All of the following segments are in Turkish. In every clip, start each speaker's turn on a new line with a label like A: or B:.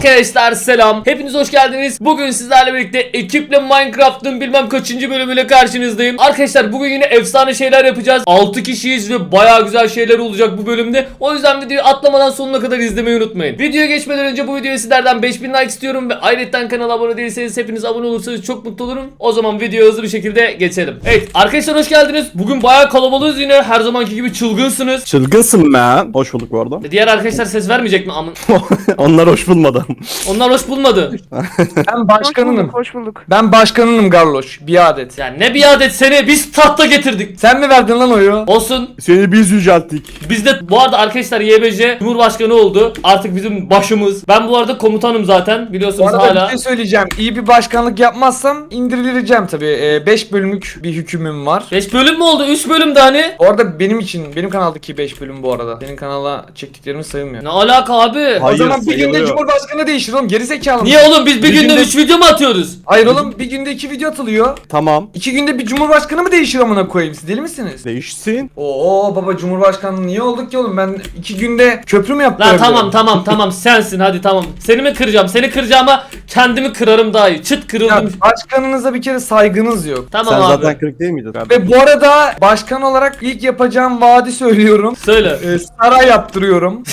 A: Arkadaşlar selam. Hepiniz hoş geldiniz. Bugün sizlerle birlikte ekiple Minecraft'ın bilmem kaçıncı bölümüyle karşınızdayım. Arkadaşlar bugün yine efsane şeyler yapacağız. 6 kişiyiz ve baya güzel şeyler olacak bu bölümde. O yüzden videoyu atlamadan sonuna kadar izlemeyi unutmayın. Videoya geçmeden önce bu videoya sizlerden 5000 like istiyorum ve ayrıca kanala abone değilseniz hepiniz abone olursanız çok mutlu olurum. O zaman videoya hızlı bir şekilde geçelim. Evet arkadaşlar hoş geldiniz. Bugün baya kalabalığız yine. Her zamanki gibi çılgınsınız.
B: Çılgınsın be. Hoş bulduk bu arada.
A: Diğer arkadaşlar ses vermeyecek mi?
B: Onlar hoş bulmadı.
A: Onlar hoş bulmadı.
C: Ben başkanınım.
D: Hoş bulduk.
C: Ben başkanınım Garloş. Bir adet.
A: Ya ne bir adet seni biz tahta getirdik.
C: Sen mi verdin lan oyu?
A: Olsun.
B: Seni biz yücelttik.
A: Biz de bu arada arkadaşlar YBC Cumhurbaşkanı oldu. Artık bizim başımız. Ben bu arada komutanım zaten
C: Bu
A: biliyorsunuz
C: arada
A: hala.
C: bir şey söyleyeceğim. İyi bir başkanlık yapmazsam indirileceğim tabii. 5 bölümlük bir hükümüm var.
A: 5 bölüm mü oldu? 3 bölüm de hani.
C: Bu arada benim kanaldaki 5 bölüm bu arada. Senin kanala çektiklerimi sayılmıyor.
A: Ne alaka abi?
B: Hayır,
C: o zaman bir günde
B: sayılıyor.
C: Cumhurbaşkanı değişir oğlum. Gerizekalı.
A: Niye oğlum biz bir günde
C: günde-
A: 3 video mu atıyoruz?
C: Hayır oğlum bir günde 2 video atılıyor.
B: Tamam.
C: 2 günde bir cumhurbaşkanı mı değişir amına koyayım? Siz deli misiniz?
B: Değişsin.
C: Oo baba cumhurbaşkanlığı niye olduk ki oğlum? Ben 2 günde köprü mü yaptım?
A: Lan tamam sensin hadi tamam. Seni mi kıracağım? Seni kıracağıma kendimi kırarım daha iyi. Çıt
C: Ya,
A: kırıldım.
C: başkanınıza bir kere saygınız yok.
A: Tamam
B: Sen
A: abi.
B: zaten kırık değil miydin?
C: Ve bu arada başkan olarak ilk yapacağım vaadi söylüyorum.
A: Söyle.
C: Saray yaptırıyorum.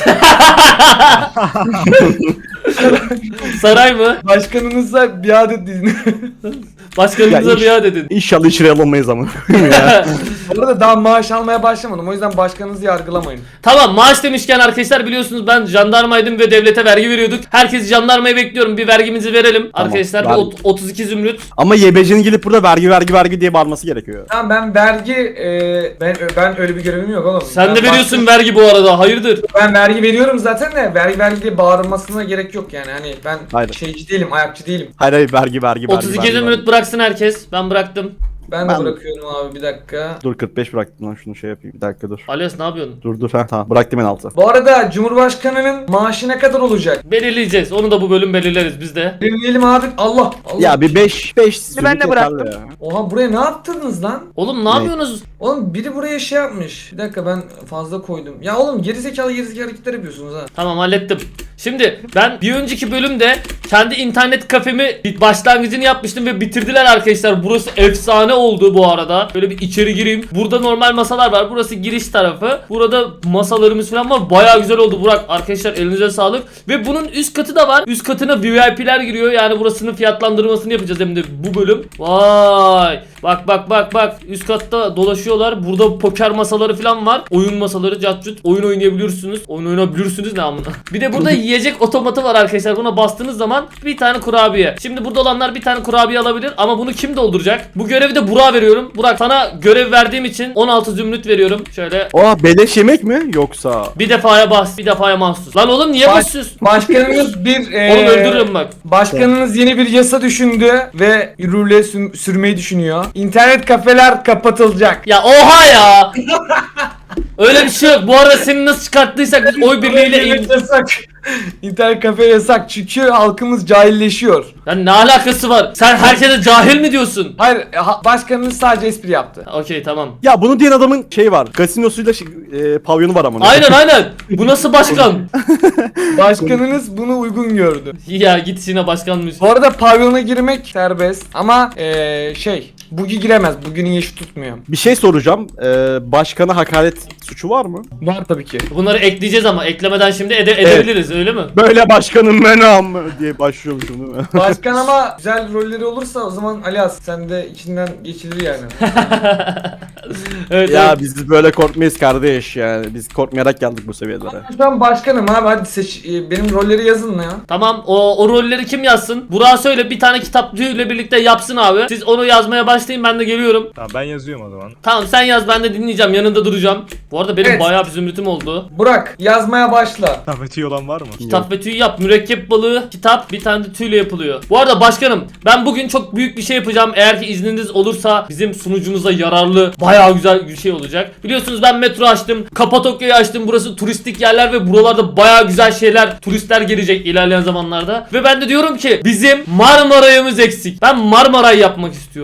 A: Saray mı?
C: Başkanınıza biat edin.
A: Başkanınıza
B: Ya iş-
A: biat edin.
B: İnşallah içeri alamayız ama. ya.
C: Bu arada daha maaş almaya başlamadım. O yüzden başkanınızı yargılamayın.
A: Tamam maaş demişken arkadaşlar biliyorsunuz ben jandarmaydım ve devlete vergi veriyorduk. Herkes jandarmayı bekliyorum. Bir vergimizi verelim.
B: Tamam,
A: Arkadaşlar
B: ver.
A: 32 zümrüt.
B: Ama YBC'nin gelip burada vergi diye bağırması gerekiyor.
C: Tamam ben vergi ben öyle bir görevim yok oğlum.
A: Sen
C: Ben
A: de veriyorsun vergi bu arada. Hayırdır?
C: Ben vergi veriyorum zaten de vergi diye bağırmasına gerek yok yani. Hani ben
B: Hayır.
C: şeyci değilim, ayakçı değilim.
B: Hayır vergi.
A: 32 zümrüt bıraksın herkes. Ben bıraktım.
C: Ben de
B: Ben-
C: bırakıyorum abi bir dakika.
B: Dur 45 bıraktım lan şunu şey yapayım. Bir dakika dur.
A: Alias ne yapıyorsun?
B: Dur ha tamam bıraktım en altı.
C: Bu arada Cumhurbaşkanının maaşı ne kadar olacak?
A: Belirleyeceğiz. Onu da bu bölüm belirleriz biz de.
C: Belirleyelim abi. Allah.
B: Ya bir 5
D: Ben de bıraktım.
B: Ya.
C: Oha buraya ne yaptınız lan?
A: Oğlum ne yapıyorsunuz?
C: Oğlum biri buraya şey yapmış. Bir dakika ben fazla koydum. Ya oğlum gerizekalı hareketler yapıyorsunuz ha.
A: Tamam hallettim. Şimdi ben bir önceki bölümde kendi internet kafemi başlangıcını yapmıştım ve bitirdiler arkadaşlar. Burası efsane oldu bu arada. Böyle bir içeri gireyim. Burada normal masalar var. Burası giriş tarafı. Burada masalarımız falan var. Bayağı güzel oldu Burak. Arkadaşlar elinize sağlık. Ve bunun üst katı da var. Üst katına VIP'ler giriyor. Yani burasının fiyatlandırmasını yapacağız hem de bu bölüm. Vay. Bak. Üst katta dolaşıyorlar. Burada poker masaları falan var. Oyun masaları catcut. Oyun oynayabiliyorsunuz. Oyun oynayabilirsiniz ne amına. Bir de burada yiyecek otomatı var arkadaşlar. Buna bastığınız zaman bir tane kurabiye. Şimdi burada olanlar bir tane kurabiye alabilir ama bunu kim dolduracak? Bu görevi de Burak'a veriyorum. Burak sana görev verdiğim için 16 zümrüt veriyorum. Şöyle
B: Oha beleş yemek mi yoksa?
A: bir defaya bas, bir defaya mahsus. Lan oğlum niye basıyorsun?
C: Başkanınız bir
A: Oğlum öldürürüm bak.
C: Başkanınız yeni bir yasa düşündü ve rule sürmeyi düşünüyor. İnternet kafeler kapatılacak.
A: Ya oha ya. Öyle bir şey yok. Bu arada seni nasıl çıkarttıysak biz oy birliğiyle
C: İnternet yasak. İnternet kafe yasak çünkü halkımız cahilleşiyor.
A: Ya ne alakası var? Sen herkese cahil mi diyorsun?
C: Hayır, başkanınız sadece espri yaptı.
A: Okey tamam.
B: Ya bunu diyen adamın şey var. Gasinosuyla pavyonu var ama.
A: Aynen. Bu nasıl başkan?
C: Başkanınız bunu uygun gördü.
A: Ya git yine başkanmış.
C: Bu arada pavyona girmek serbest ama Bugi giremez. Bugi'nin yaşı tutmuyor.
B: Bir şey soracağım. Başkana hakaret suçu var mı?
C: Var tabii ki.
A: Bunları ekleyeceğiz ama eklemeden şimdi edebiliriz öyle mi?
B: Böyle başkanım menam diye başlıyormuşum değil mi?
C: Başkan ama güzel rolleri olursa o zaman Alias sen de içinden geçilir yani.
A: Evet,
B: Ya
A: evet.
B: biz böyle korkmayız kardeş yani. Biz korkmayarak geldik bu seviyelere.
C: Şu an başkanım abi hadi seç benim rolleri yazın ya.
A: Tamam o rolleri kim yazsın? Burak'a söyle bir tane kitapçıyla birlikte yapsın abi. Siz onu yazmaya başlayın ben de geliyorum.
E: Tamam ben yazıyorum o zaman.
A: Tamam sen yaz ben de dinleyeceğim yanında duracağım. Bu arada benim
C: Evet.
A: bayağı bir zümrütüm oldu.
C: Burak yazmaya başla.
E: Tafeti olan var mı?
A: Kitap ve tüy yap. Mürekkep balığı kitap bir tane de tüyle yapılıyor. Bu arada başkanım ben bugün çok büyük bir şey yapacağım. Eğer ki izniniz olursa bizim sunucumuza yararlı bayağı güzel bir şey olacak. Biliyorsunuz ben metro açtım. Kapadokya'yı açtım. Burası turistik yerler ve buralarda bayağı güzel şeyler turistler gelecek ilerleyen zamanlarda. Ve ben de diyorum ki bizim Marmaray'ımız eksik. Ben Marmaray yapmak istiyorum.
C: Nereye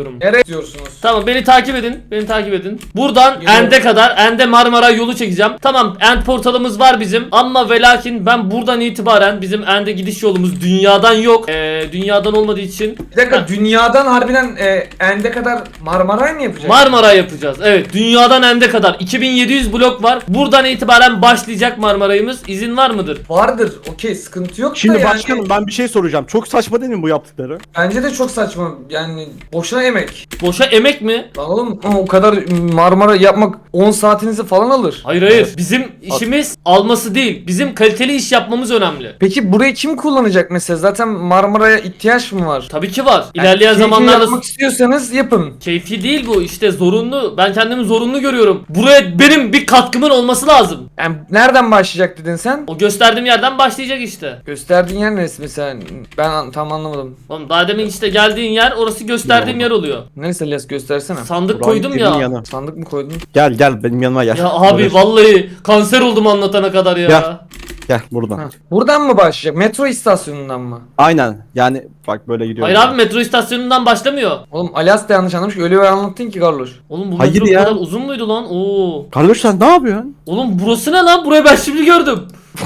C: istiyorsunuz?
A: Tamam, beni takip edin. Beni takip edin. Buradan
C: Geliyorum.
A: End'e kadar, End'e Marmara yolu çekeceğim. Tamam, End portalımız var bizim. Ama ve lakin ben buradan itibaren bizim End'e gidiş yolumuz dünyadan yok. Dünyadan olmadığı için
C: Bir dakika, dünyadan harbiden End'e kadar Marmaray mı yapacak?
A: Marmara yapacağız. Evet, dünyadan End'e kadar 2700 blok var. Buradan itibaren başlayacak Marmaray'ımız. İzin var mıdır?
C: Vardır. Okey, sıkıntı yok
B: Şimdi
C: da yani.
B: başkanım ben bir şey soracağım. Çok saçma değil mi bu yaptıkları?
C: Bence de çok saçma. Yani boşuna emek.
A: Boşa emek mi?
C: Lan oğlum o kadar Marmara yapmak 10 saatinizi falan alır.
A: Hayır hayır. Bizim işimiz alması değil. Bizim kaliteli iş yapmamız önemli.
C: Peki burayı kim kullanacak mesela? Zaten Marmara'ya ihtiyaç mı var?
A: Tabii ki var.
C: Yani
A: İlerleyen
C: keyfi
A: zamanlarda
C: yapmak istiyorsanız yapın.
A: keyfi değil bu, işte zorunlu. Ben kendimi zorunlu görüyorum. Buraya benim bir katkımın olması lazım.
C: Yani nereden başlayacak dedin sen?
A: O gösterdiğim yerden başlayacak işte.
C: Gösterdiğin yer neresi mesela? Ben tam anlamadım.
A: Oğlum daha demin işte geldiğin yer, orası gösterdiğim yer oluyor.
C: Neresi Elias, göstersene.
A: Sandık
B: Buranın
A: koydum
B: dediğin
A: ya.
B: yanı.
C: Sandık mı koydun?
B: Gel benim yanıma gel.
A: Ya abi
B: Böyle.
A: vallahi kanser oldum anlatana kadar ya.
B: Gel. Gel buradan.
C: Ha. Buradan mı başlayacak? Metro istasyonundan mı?
B: Aynen. Yani bak böyle gidiyor.
A: Hayır abi, metro istasyonundan başlamıyor.
C: Oğlum Alias da yanlış anlamış. Öyle bir anlattın ki Carlos.
A: Oğlum bu
B: Hayır
A: metro bu
B: ya.
A: kadar uzun muydu lan? Oo.
B: Kardeş sen ne yapıyorsun?
A: Oğlum burası ne lan? Burayı ben şimdi gördüm.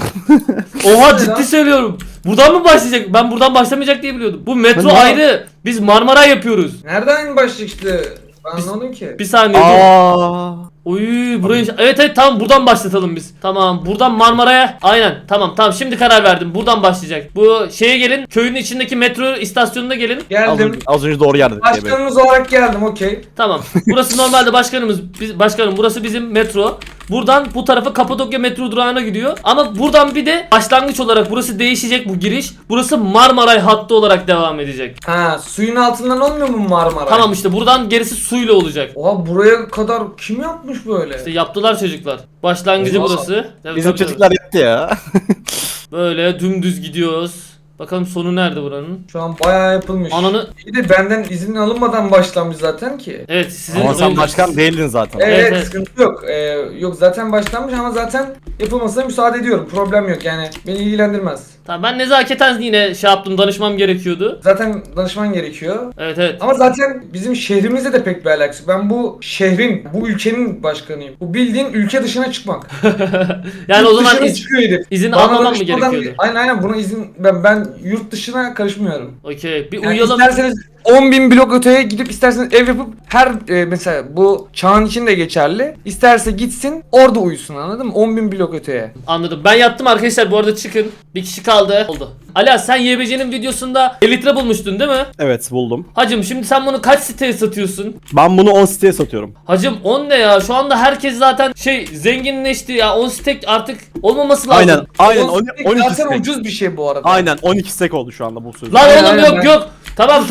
A: Oha, ciddi söylüyorum. Buradan mı başlayacak? Ben buradan başlamayacak diye biliyordum. Bu metro
B: Ben ne-
A: ayrı. Biz Marmara yapıyoruz.
C: Nereden başlayacak işte? Ben anlamadım ki.
A: Bir saniye dur.
B: Aa.
A: Oy burayı evet tamam, buradan başlatalım biz. Tamam, buradan Marmara'ya. Aynen, tamam şimdi karar verdim. Buradan başlayacak. Bu şeye gelin. Köyün içindeki metro istasyonuna gelin.
B: Az
C: Geldim.
B: önce, az önce doğru yerdik diye böyle.
C: Başkanınız olarak geldim, okey.
A: Tamam. Burası normalde başkanım burası bizim metro. Buradan bu tarafa Kapadokya metro durağına gidiyor. Ama buradan bir de başlangıç olarak burası değişecek, bu giriş. Burası Marmaray hattı olarak devam edecek.
C: Ha, suyun altından olmuyor mu Marmara?
A: Tamam, işte buradan gerisi suyla olacak.
C: Oha, buraya kadar kim yapmış böyle?
A: İşte yaptılar çocuklar. Başlangıcı
C: Oha.
A: burası. Tabii,
B: Bizim
A: tabii,
B: çocuklar yaptı ya.
A: tabii. Böyle dümdüz gidiyoruz. Bakalım sonu nerede buranın?
C: Şu an bayağı yapılmış.
A: Ananı...
C: Bir de benden izin alınmadan başlanmış zaten ki.
A: Evet, sizin
B: Ama sen
A: oyun-
B: başkan değildin zaten.
C: Evet,
A: evet.
C: sıkıntı yok. Yok zaten başlanmış ama zaten yapılmasına müsaade ediyorum. Problem yok yani. Beni ilgilendirmez.
A: Tamam, ben nezaketen yine şey yaptım, danışmam gerekiyordu.
C: Zaten danışman gerekiyor.
A: Evet.
C: Ama zaten bizim şehrimizle de pek bir alakası. Ben bu şehrin, bu ülkenin başkanıyım. Bu bildiğin ülke dışına çıkmak.
A: Yani o zaman
C: Dışına çıkıyor herif.
A: izin
C: Bana
A: almamam mı
C: danışmadan-
A: gerekiyordu?
C: Aynen buna izin ben yurt dışına karışmıyorum.
A: Okey, bir
C: Yani
A: uyuyalım.
C: isterseniz 10.000 blok öteye gidip isterseniz ev yapıp her mesela bu çağın için de geçerli. İsterse gitsin orada uyusun, anladın mı? 10.000 blok öteye.
A: Anladım. Ben yattım arkadaşlar, bu arada çıkın. Bir kişi kaldı. Oldu. Ala, sen YBC'nin videosunda elitre bulmuştun değil mi?
B: Evet buldum.
A: Hacım şimdi sen bunu kaç siteye satıyorsun?
B: Ben bunu 10 siteye satıyorum.
A: Hacım 10 ne ya? Şu anda herkes zaten zenginleşti ya. 10 stek artık olmaması lazım.
B: Aynen
C: 12
B: 12
C: zaten
B: stek.
C: ucuz bir şey bu arada.
B: Aynen 12 stek oldu şu anda bu söz.
A: Lan
C: Aynen,
A: oğlum
C: aynen,
A: yok
C: ben-
A: yok. Tamam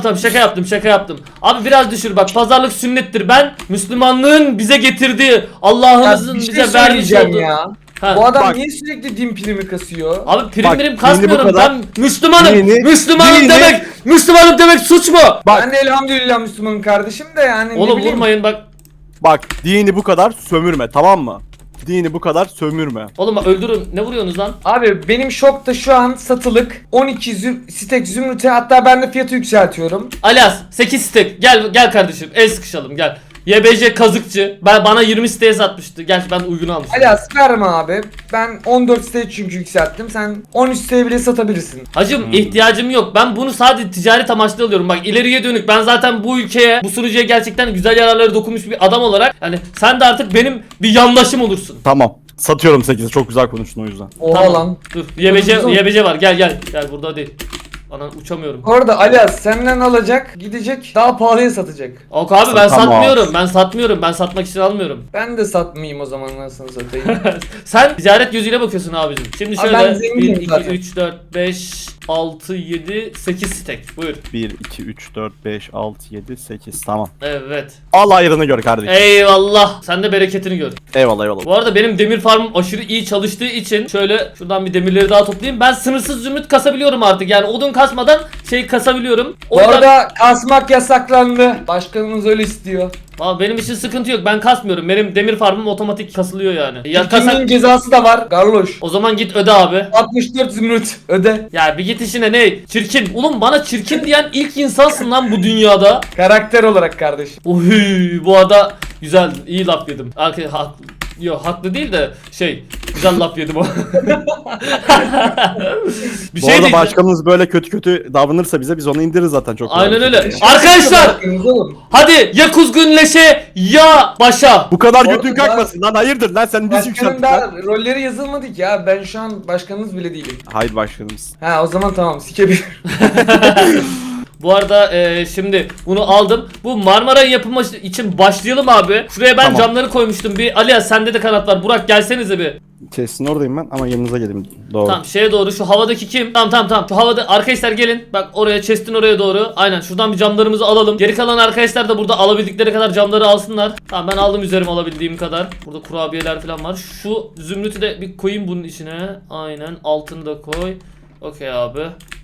A: şaka yaptım. Abi biraz düşür bak, pazarlık sünnettir. Ben Müslümanlığın bize getirdiği,
C: Ya
A: Allah'ımızın
C: bir şey
A: bize vermiş
C: söyleyeceğim
A: olduğu.
C: ya.
A: Ha.
C: Bu adam
B: Bak.
C: niye sürekli din primi kasıyor?
A: Abi prim
B: Bak,
A: birim
B: dini
A: kasmıyorum,
B: bu kadar-
A: ben Müslümanım.
B: Dini-
A: Müslümanım
B: dini-
A: demek suç mu?
B: Bak.
C: Ben de elhamdülillah Müslümanım kardeşim de yani ne
A: Oğlum
C: bileyim.
A: vurmayın bak.
B: Bak dini bu kadar sömürme, tamam mı? Dini bu kadar sömürme.
A: Oğlum bak, öldürün. Ne vuruyorsunuz lan?
C: Abi benim shopta şu an satılık 12 stek zümrüte, hatta ben de fiyatı yükseltiyorum.
A: Alias 8 stek. Gel kardeşim. El sıkışalım gel. YBC kazıkçı. Bana 20 siteye satmıştı. Gerçi ben uygun almıştım.
C: Alias verme abi. Ben 14 stek çünkü yükselttim. Sen 13 stek bile satabilirsin.
A: Hacım ihtiyacım yok. Ben bunu sadece ticaret amaçlı alıyorum. Bak ileriye dönük. Ben zaten bu ülkeye, bu sunucuya gerçekten güzel yararları dokunmuş bir adam olarak. Yani sen de artık benim bir yandaşım olursun.
B: Tamam. Satıyorum 8'i. Çok güzel konuştun o yüzden.
C: Oha
A: Tamam.
C: lan.
A: Dur. YBC var. Gel burada değil. Ana uçamıyorum.
C: Orada Alias senden alacak, gidecek, daha pahalıya satacak.
A: Ok abi ben
B: Tamam.
A: satmıyorum. Ben satmak için almıyorum.
C: Ben de satmayayım o zaman, nasıl satayım.
A: Sen ticaret gözüyle bakıyorsun abicim. Şimdi
C: Abi
A: şöyle
C: ben zenginim
A: 1, 2,
C: zaten.
A: 3, 4, 5, 6, 7, 8 stek. Buyur.
B: 1, 2, 3, 4, 5, 6, 7, 8. Tamam.
A: Evet.
B: Al ayrını gör kardeşim.
A: Eyvallah. Sen de bereketini gör.
B: Eyvallah.
A: Bu arada benim demir farmım aşırı iyi çalıştığı için şöyle şuradan bir demirleri daha toplayayım. Ben sınırsız zümrüt kasabiliyorum artık. Yani odun kasmadan şey kasabiliyorum. O
C: Bu
A: yüzden
C: arada kasmak yasaklandı. Başkanımız öyle istiyor.
A: Aa, benim için sıkıntı yok. Ben kasmıyorum. Benim demir farmım otomatik kasılıyor yani. Ya kasak...
C: Kimin cezası da var Garloş.
A: O zaman git öde abi.
C: 64 zümrüt öde.
A: Ya bir git işine ne? Çirkin. Oğlum bana çirkin diyen ilk insansın lan bu dünyada.
C: Karakter olarak kardeşim.
A: Oy, bu arada güzel, iyi laf yedim. Yok haklı değil de güzel laf yedim o. Bir
B: Bu
A: şey
B: arada
A: diyeceğim.
B: başkanımız böyle kötü kötü davranırsa bize biz onu indiririz zaten çok kolay.
A: Aynen öyle. Arkadaşlar
C: Bakınız oğlum.
A: hadi ya kuzgunleşe ya başa.
B: Bu kadar
C: Orada
B: götün
C: daha-
B: kalkmasın lan, hayırdır lan, sen biz
C: Başkanın
B: yükselttin
C: daha
B: lan.
C: rolleri yazılmadı ki ya. Ben şu an başkanınız bile değilim.
B: Hayır başkanımız.
C: Ha o zaman tamam sikebilir.
A: Bu arada şimdi bunu aldım. Bu Marmara yapımı için başlayalım abi. Şuraya ben
B: Tamam.
A: camları koymuştum. Bir Alias sende de kanat var. Burak gelsenize bir.
B: Kesin oradayım ben ama yanınıza geleyim. Doğru.
A: Tamam şeye doğru, şu havadaki kim? Tamam. Şu havada arkadaşlar gelin. Bak oraya, chest'in oraya doğru. Aynen şuradan bir camlarımızı alalım. Geri kalan arkadaşlar da burada alabildikleri kadar camları alsınlar. Tamam ben aldım üzerime alabildiğim kadar. Burada kurabiyeler falan var. Şu zümrütü de bir koyayım bunun içine. Aynen altını da koy. Okey abi.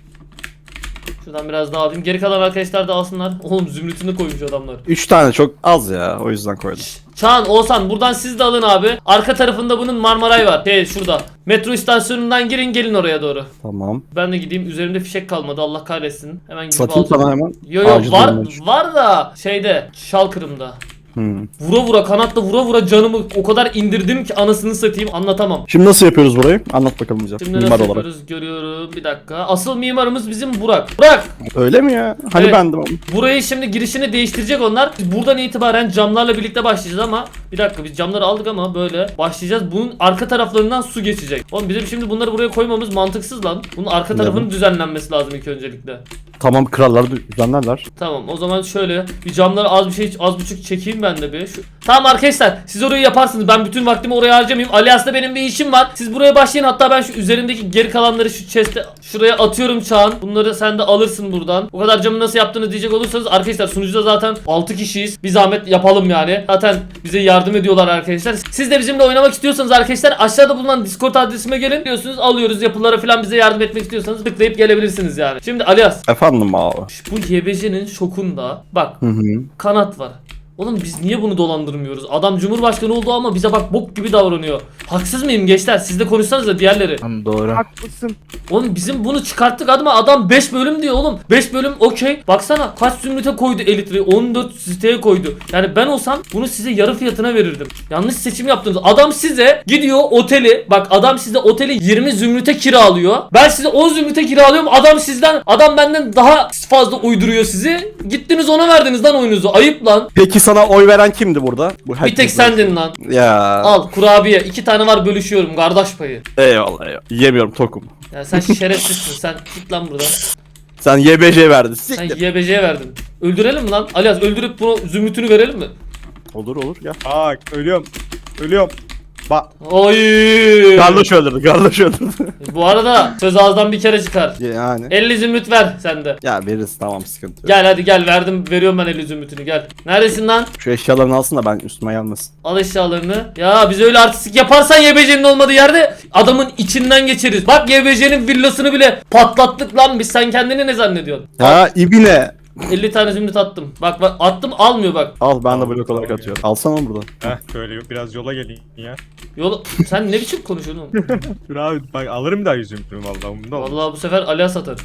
A: Şuradan biraz daha alayım. Geri kalan arkadaşlar da alsınlar. Oğlum zümrütünü koymuş adamlar.
B: 3 tane çok az ya, o yüzden koydum.
A: Çağan, Oğuzhan buradan siz de alın abi. Arka tarafında bunun Marmaray var. Şurada. Metro istasyonundan girin, gelin oraya doğru.
B: Tamam.
A: Ben de gideyim. Üzerimde fişek kalmadı. Allah kahretsin. Hemen gidip
B: Satayım
A: alacağım.
B: sana hemen.
A: Yo
B: Acil
A: var
B: durumlar için.
A: var da Şalkırım'da.
B: Hmm.
A: Vura kanatla vura canımı o kadar indirdim ki anasını satayım, anlatamam.
B: Şimdi nasıl yapıyoruz burayı? Anlat bakalım bize.
A: Şimdi
B: Mimar
A: nasıl
B: olarak.
A: yapıyoruz görüyorum, bir dakika. Asıl mimarımız bizim Burak. Burak!
B: Öyle mi ya? Hani
A: Evet.
B: bendim ama.
A: Burayı şimdi girişini değiştirecek onlar. Biz buradan itibaren camlarla birlikte başlayacağız ama bir dakika, biz camları aldık ama böyle başlayacağız. Bunun arka taraflarından su geçecek. Oğlum bizim şimdi bunları buraya koymamız mantıksız lan. Bunun arka tarafının düzenlenmesi lazım ilk öncelikle.
B: Tamam, krallar düzenlerler.
A: Tamam o zaman şöyle bir camları az buçuk çekeyim ben de bir. Tamam arkadaşlar siz orayı yaparsınız. Ben bütün vaktimi oraya harcamayayım. Alias'ta benim bir işim var. Siz buraya başlayın. Hatta ben şu üzerindeki geri kalanları şu chest'e şuraya atıyorum Çağan. Bunları sen de alırsın buradan. O kadar camı nasıl yaptığını diyecek olursanız arkadaşlar sunucuda zaten 6 kişiyiz. Bir zahmet yapalım yani. Zaten bize yardım ediyorlar arkadaşlar. Siz de bizimle oynamak istiyorsanız arkadaşlar aşağıda bulunan Discord adresime gelin diyorsunuz. Alıyoruz yapılara falan, bize yardım etmek istiyorsanız tıklayıp gelebilirsiniz yani. Şimdi Alias,
B: Efendim abi.
A: bu YBC'nin şokunda bak
B: Hı hı.
A: kanat var. Oğlum biz niye bunu dolandırmıyoruz? Adam Cumhurbaşkanı oldu ama bize bak bok gibi davranıyor. Haksız mıyım gençler? Siz de konuşsanız da diğerleri.
E: Tamam doğru.
D: Haklısın.
A: Oğlum bizim bunu çıkarttık adam 5 bölüm diyor oğlum. 5 bölüm okey. Baksana kaç zümrüte koydu elitri. 14 siteye koydu. Yani ben olsam bunu size yarı fiyatına verirdim. Yanlış seçim yaptınız. Adam size gidiyor oteli. Bak adam size oteli 20 zümrüte kiralıyor. Ben size 10 zümrüte kiralıyorum. Adam benden daha fazla uyduruyor sizi. Gittiniz ona verdiniz lan oyunuzu. Ayıp lan.
B: Peki sana oy veren kimdi burada? Bu
A: Bir
B: herkes
A: tek sendin lan.
B: Ya.
A: Al kurabiye. 2 tane var, bölüşüyorum kardeş payı.
B: Eyvallah. Yemiyorum, tokum.
A: Ya sen şerefsizsin. Sen git lan buradan.
B: Sen YBC verdin.
A: Sen
B: Siktir.
A: YBC'ye verdin. Öldürelim mi lan? Alias öldürüp bunu zümrütünü verelim mi?
B: Olur ya.
E: Aa ölüyorum. Bak
A: Oy!
B: Garloş öldürdü.
A: Bu arada söz ağızdan bir kere çıkar.
B: Yani.
A: 50 zümrüt ver sen de.
B: Ya veririz, tamam, sıkıntı yok.
A: Gel hadi gel, veriyorum ben 50 zümrütünü, gel. Neredesin lan?
B: Şu eşyalarını alsın da ben üstüme gelmesin.
A: Al eşyalarını. Ya biz öyle artistik yaparsan YBC'nin olmadığı yerde adamın içinden geçeriz. Bak YBC'nin villasını bile patlattık lan biz. Sen kendini ne zannediyorsun?
B: Ya ibine.
A: 50 tane zümrüt attım. Bak attım, almıyor bak.
B: Al, ben de
E: Al,
B: blok olarak
E: tamam
B: atıyorum. Alsana onu buradan.
E: heh böyle biraz yola geleyim ya.
A: Yolu sen ne biçim konuşuyorsun oğlum?
E: Dur abi bak alırım daha yüzümü vallahi umurumda olmaz.
A: Vallahi bu sefer Alias satar.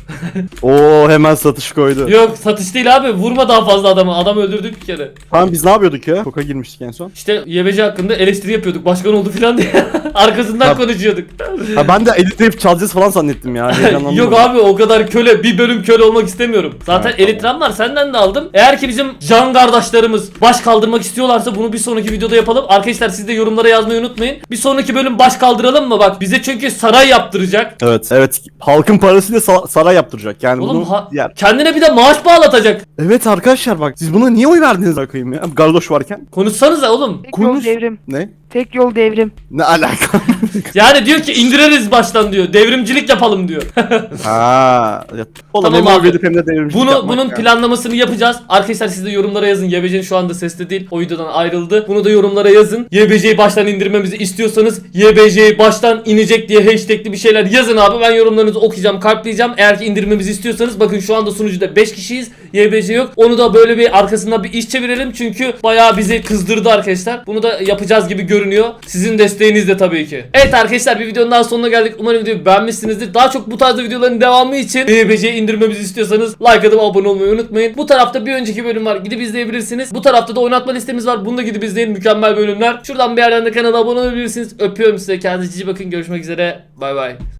B: Oo, hemen satış koydu.
A: Yok satış değil abi. Vurma daha fazla adamı. Adam öldürdük bir kere.
B: Tamam, biz ne yapıyorduk ya? Koka girmiştik en son.
A: İşte YBC hakkında eleştiri yapıyorduk. Başkan oldu falan diye. Arkasından
B: Tabii.
A: konuşuyorduk.
B: Ha, ben de editleyip çalacağız falan zannettim ya. Heyecanlandım.
A: Yok abi o kadar köle. Bir bölüm köle olmak istemiyorum. Zaten
B: Ha, tamam.
A: elitram var. Senden de aldım. Eğer ki bizim can kardeşlerimiz baş kaldırmak istiyorlarsa bunu bir sonraki videoda yapalım. Arkadaşlar siz de yorumlara yazmayı unutmayın. Bir sonraki bölüm baş kaldıralım mı? Bak bize çünkü saray yaptıracak.
B: Evet. Halkın parasıyla saray yaptıracak. Yani
A: Oğlum
B: bunu yer.
A: kendine bir de maaş bağlatacak.
B: Evet arkadaşlar, bak siz buna niye oy verdiniz bakayım ya? Garloş varken.
A: Konuşsanıza oğlum.
D: Tek yol
B: Konuş.
D: devrim.
B: Ne?
D: Tek yol devrim.
B: Ne alaka?
A: Yani diyor ki indiririz baştan diyor. Devrimcilik yapalım diyor.
B: Ha. Oğlum
A: Tamam
B: hem
A: abi.
B: abi. Hem de devrimcilik yapmak
A: Bunun
B: ya.
A: planlamasını yapacağız. Arkadaşlar siz de yorumlara yazın. YBC'nin şu anda sesli değil. O videodan ayrıldı. Bunu da yorumlara yazın. YBC'yi baştan indirmemizi istiyorsanız YBC'yi baştan inecek diye hashtagli bir şeyler yazın abi. Ben yorumlarınızı okuyacağım, kalpleyeceğim. Eğer ki indirmemizi istiyorsanız bakın şu anda sunucuda 5 kişiyiz. YBC yok. Onu da böyle bir arkasından bir iş çevirelim. Çünkü bayağı bizi kızdırdı arkadaşlar. Bunu da yapacağız gibi görünüyor. Sizin desteğiniz de tabii ki. Evet arkadaşlar bir videonun daha sonuna geldik. Umarım videoyu beğenmişsinizdir. Daha çok bu tarzda videoların devamı için YBC'yi indirmemizi istiyorsanız like atıp abone olmayı unutmayın. Bu tarafta bir önceki bölüm var. Gidip izleyebilirsiniz. Bu tarafta da oynatma listemiz var. Bunu da gidip izleyin. Mükemmel bölümler. Şuradan bir yerden de kanala abone olabilirsiniz. Öpüyorum size. Kendinize iyi bakın. Görüşmek üzere. Bay bay.